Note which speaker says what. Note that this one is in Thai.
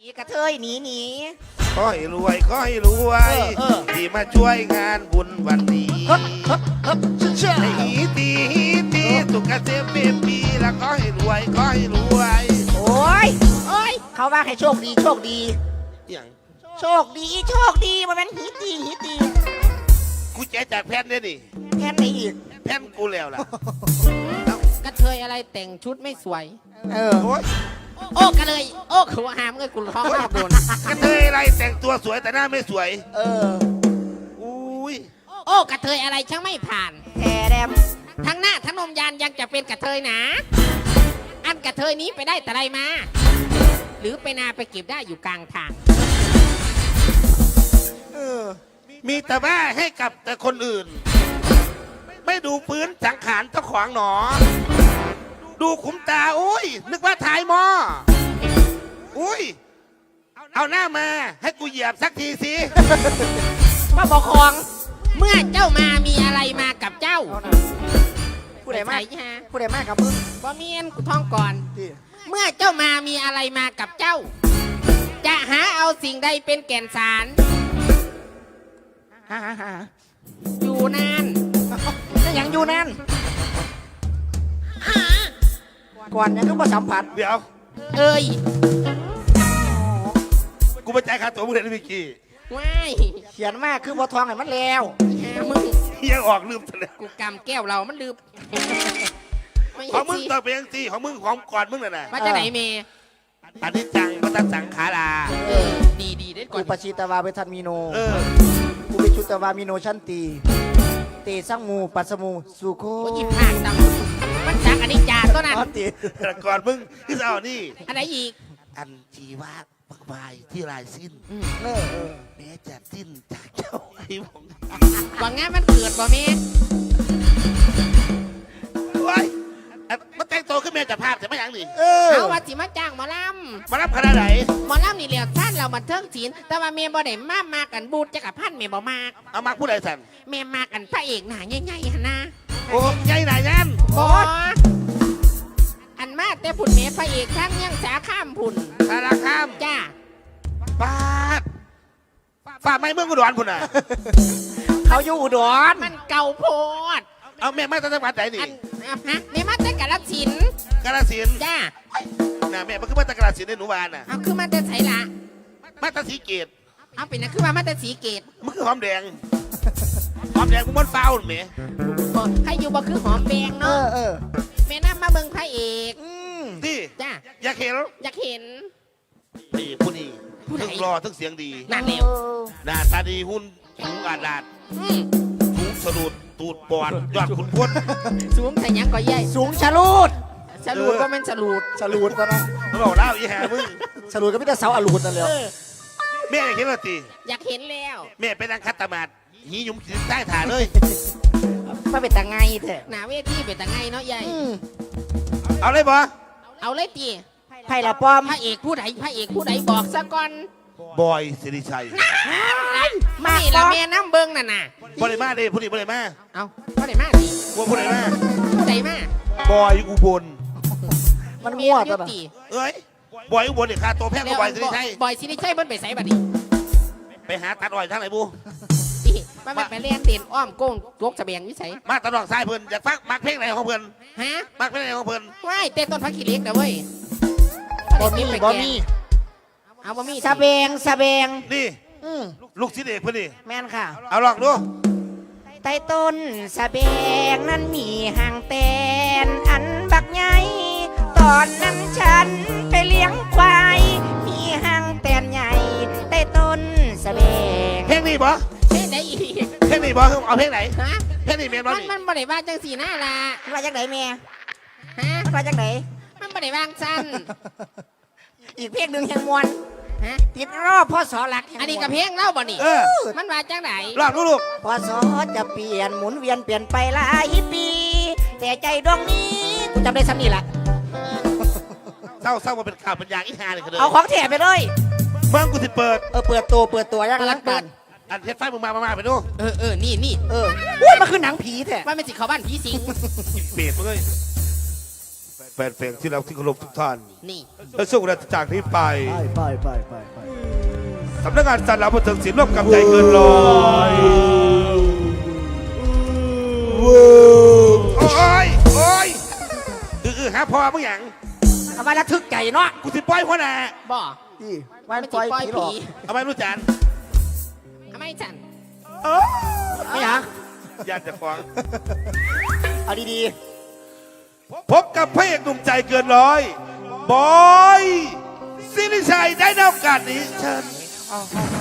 Speaker 1: อีกระเทยหนี
Speaker 2: ขอให้รวยขอให้รวยที่มาช่วยงานบุญวันนี้
Speaker 1: เชื่อ
Speaker 2: ให้หีตีสุขเกษมเป็นปีแล้วขอให้รวยขอให้รวย
Speaker 1: โอ้ยเขาว่าให้โชคดี
Speaker 2: อย่าง
Speaker 1: โชคดีมันเป็นหีตี
Speaker 2: กูแจกจากแผ่นเนี่ยดิ
Speaker 1: แค่ไหนอีก
Speaker 2: แผ่นกูแล้วล่ะ
Speaker 3: กระเทยอะไรแต่งชุดไม่สวย
Speaker 2: โอ๊ย
Speaker 3: โอ้กระเลยโอ้คือว่าหามเอ้ยกูท้องรอบโดน
Speaker 2: กระเทยอะไรแต่งตัวสวยแต่หน้าไม่สวยอุ้ย
Speaker 3: โอ้กระเทยอะไรช่างไม่ผ่าน
Speaker 1: แค่แดม
Speaker 3: ทั้งหน้าทั้งนมยานยังจะเป็นกระเทยหนาอันกระเทยนี้ไปได้แต่ไรมา หรือไปนาไปเก็บได้อยู่กลางทาง
Speaker 2: มีแต่ว่าให้กับแต่คนอื่น ไม่ดูพื้นสังขารเจ้าของหนอดูขุมตาอุ้ยนึกว่าถ่ายหมออุ้ยเอาหน้ามาให้กูเหยียบสักทีสิ
Speaker 3: ว่าบอกคองเมื่อเจ้ามามีอะไรมากับเจ้า
Speaker 1: ผู้ใดมาก
Speaker 3: ใช่ฮะ
Speaker 1: ผู้ใดมากกับมึง
Speaker 3: บ่เมียนกูท้องก่อน เมื่อเจ้ามามีอะไรมากับเจ้า จะหาเอาสิ่งใดเป็นแก่นสาร
Speaker 1: หา
Speaker 3: อยู่นาน
Speaker 1: ยังอยู่นั่นก่อนยังก็มาสัมผัส
Speaker 2: เดี๋ยว
Speaker 3: เอ้ย
Speaker 2: กูไปจ่ายค่าตั๋วมึงเลยนะพี่กี้
Speaker 3: ว้าย
Speaker 1: เขียนมากคือบัวทองไงมันแล้ว
Speaker 3: หามึง
Speaker 2: ยังออกลืมซะแล้ว
Speaker 3: กูกำแก้วเรามันลืมไม่
Speaker 2: ของมึง
Speaker 3: สิ
Speaker 2: ต้องเป็นยังสิของมึงของก่อนมึงน่ะนะ
Speaker 3: มาจากไหนเมย์
Speaker 2: อันนี้จังพระตัสังขารา
Speaker 3: ดีได้ก่อ
Speaker 1: กู
Speaker 3: น
Speaker 1: ปชิตวาเวทันมีโน
Speaker 2: อ
Speaker 1: กูไปชุตวามีโนชันตีเตสังมูปัสมูสุโค
Speaker 3: โอ้ยหยิบผากตังมันจากอันนี้จ่าตัวนั้น
Speaker 1: อ๋อตี
Speaker 2: แต่ก่อนมึงที่จะเอานี่
Speaker 3: อันไหนอีก
Speaker 2: อันจีวาปักบายที่ลายสิ้น
Speaker 1: เออ
Speaker 2: แม้จะสิ้นจากเจ้าไอ้ผม
Speaker 3: หวังงานมันเกิดบ่เมย์
Speaker 2: โอ้ยมันแต่งตัวขึ้นมาจากภาพแต่ไม่ยังนี่
Speaker 3: เอาว่าสิมาจ้างหมอล
Speaker 2: มารับขนาดไหน
Speaker 3: ำหมอลำนี่เหลียวท่านเราบันเทิงศิลป์แต่ว่าเมย์บ่ได้มากันบูดจักรพันธ์เมย์บ่มาก
Speaker 2: เอามาผู้ใดสั่น
Speaker 3: เมย์มากันพระเอกหนาใหญ่ๆหั่นนะ
Speaker 2: โอ้ยายไหนยัน
Speaker 3: บออันมาแต่ผุ่นเมย์พระเอกทั้งยังสาข้ามผุ่น
Speaker 2: สารคาม
Speaker 3: จ้า
Speaker 2: ปาดฝ่าไม่เมืองกุดรพุ่นน่ะ
Speaker 1: เขาอยู่อุดร
Speaker 3: มันเก่าโพด
Speaker 2: เอาแม่มาตั้งจังหวัดไหนนี่
Speaker 3: อันฮะเมย์มาแต่กาฬสินธุ์
Speaker 2: กาฬสินธุ์
Speaker 3: จ้า
Speaker 2: น่ะแม่มันคือมาตั้งกาฬสินธุ์ในหนูบานน่ะ
Speaker 3: เอาคือมาแต่ไสละ
Speaker 2: มาตั้งสีเกต
Speaker 3: เอาเป็นนะคือว่ามาแต่สีเกต
Speaker 2: มันคือหอมแดงหอมแดงมึงมันเฝ้าแม่
Speaker 3: บ่ให้อยู่บ่คือหอมแดงเนาะเมย์นำมาเบิ่งพระเอก
Speaker 2: ที่
Speaker 3: จ้า
Speaker 2: อยากเห็น
Speaker 3: อยากเห็น
Speaker 2: นี่ผู้นี้
Speaker 3: ผู้ไหน
Speaker 2: ทั้งรอทั้งเสียงดี
Speaker 3: นั่นเร็ว
Speaker 2: หน้าตาดีหุ่นสูงอาดาด
Speaker 3: อืม
Speaker 2: สูงสะดุดตูดปอดยอดขุนพด
Speaker 3: สูงแต่ยังก็ใหญ่
Speaker 1: สูงชะลูด
Speaker 3: สรูดก็เป็นสรูด
Speaker 1: ชะลูดก็นะ
Speaker 2: เขาบอกเล่าอีแห่มึง
Speaker 1: ชะลูดก็ไม่ได้เสาอลูดนั่นเลย
Speaker 2: แม่อยากเห็นว่าตี
Speaker 3: อยากเห็นแล้ว
Speaker 2: แม่ไปนั่งคัตตามาดหีหยุ่มขีดใต้ฐานเลย
Speaker 1: มาเป็นตาไงเถอะ
Speaker 3: หนาเวทีเป็นตาไงเนาะใหญ่
Speaker 2: เอาเลยบ่
Speaker 3: เอาเลยตี
Speaker 1: ไผ่ละป้อม
Speaker 3: พระเอกผู้ใดพระเอกผู้ใดบอกซะก่อน
Speaker 2: บอยสิริชัย
Speaker 3: ไม่ละแม่น้ำเบิ้งน่ะน่ะ
Speaker 2: บริมาเด้ผู้นี้บริมา
Speaker 3: เอาผู้ใดมาดิ
Speaker 2: ว่าผู้ใดมา
Speaker 3: ผู้ใดมา
Speaker 2: บอยอุบล
Speaker 1: มันมั่ว
Speaker 3: เมี
Speaker 1: ตั
Speaker 3: ยว
Speaker 1: น่ะ
Speaker 3: ตี
Speaker 2: เอ้ยบอยอุบลเนี่ยค่าตัวแพงกว่าบอยสิริชัย
Speaker 3: บอยสิริชัยเบิ้นไปใส่บัดนี้
Speaker 2: ไปหาตัดอ้อยทางไหนบู
Speaker 3: ตีมันไปเล่นเด่นอ้อมโก้งยกเสบียงวิสัย
Speaker 2: มาตลอดสายเพิ่นอยากฟังมักเพลงไหนของเพิ่น
Speaker 3: ฮะ
Speaker 2: มักเพลงไหนของเพิ่น
Speaker 3: ว้ายเต้นต้นพักขี้เหล็กนะเว้ย
Speaker 1: บ่มีบ่มี
Speaker 3: เอาบ่มี
Speaker 1: สะเบงสะเบง
Speaker 2: นี่
Speaker 1: อืม
Speaker 2: ลูกศิษย์เอกเพิ่นนี่
Speaker 1: แม่นค่ะ
Speaker 2: เอาลองดู
Speaker 1: ใต้ต้นสะเบงนั้นมีหางแตนอันบักใหญ่ตอนนั้นฉันไปเลี้ยงควายมีหางแตนใหญ่ใต้ต้นสะเบง
Speaker 2: เพลงนี้บ่
Speaker 3: เพลงไหนอีก
Speaker 2: เพลงนี้บ่เอาเพลงไหน
Speaker 3: ฮะ
Speaker 2: เพลงนี้แม่นบ่
Speaker 3: มัน
Speaker 2: นี่
Speaker 3: มันบ่ได้ว่าจังสีหน้าละ
Speaker 1: มันมาจากไหนแม่
Speaker 3: ฮะ
Speaker 1: มันมาจากไหน
Speaker 3: มันบ่ได้วางสั้น
Speaker 1: อีกเพลงหนึ่งแห่งมวล
Speaker 3: ฮะ
Speaker 1: ติดรอบพ่อสอหลักแห่งมวล
Speaker 3: อันนี้กับเพลงเล่าบ่นี่
Speaker 2: เออ
Speaker 3: มันว่าจังไหน
Speaker 2: ลองดูลูก
Speaker 1: พ่อสอจะเปลี่ยนหมุนเวียนเปลี่ยนไปหลายปี แต่ใจดวงนี้กูจำได้ซ้ำนี่แหละ
Speaker 2: เศร้ามาเป็นข่าวเป็นอย่างอีหาเลยกันเลย
Speaker 1: เอาของแถมไปเลย
Speaker 2: เมืองกูสิเปิด
Speaker 1: เปิดตัวยังรักกัน
Speaker 2: อันเทปไฟมึงมาไปดู
Speaker 3: นี่
Speaker 1: อุ้ยมันคือหนังผีแท้
Speaker 3: ว่ามันสิเข้าบ้านผีสิง
Speaker 2: เปรตมึงเลยแฟนเพลงที่เราที่เคารพทุกท่าน
Speaker 3: นี่
Speaker 2: และช่วงเวลาจากนี้ไป
Speaker 4: ไป
Speaker 2: สำนักงานสารบันเทิงศิลป์ร่วมกับใจเกินร้อยโอ้ยโอ้ยหาพอมึงหยัง
Speaker 1: เอามาระทึกใจเนาะ
Speaker 2: กูสิปล่อยหัวหน้า
Speaker 3: บ่
Speaker 4: นี่
Speaker 1: วัน
Speaker 3: ไม่
Speaker 1: ป
Speaker 3: ติ
Speaker 1: ล่
Speaker 3: ด
Speaker 1: อย
Speaker 3: ปล่อย
Speaker 1: ผีหร
Speaker 3: ผี
Speaker 1: อก
Speaker 2: เอาไหมรู้จัน
Speaker 3: ทำไมจัน
Speaker 1: ไม่หยัง
Speaker 2: ญาติจะฟ้อง
Speaker 1: เอาดี
Speaker 2: พบกับพระเอกหนุ่มใจเกินร้อยบอยสิริชัยได้ในโอกาสนี้เชิญ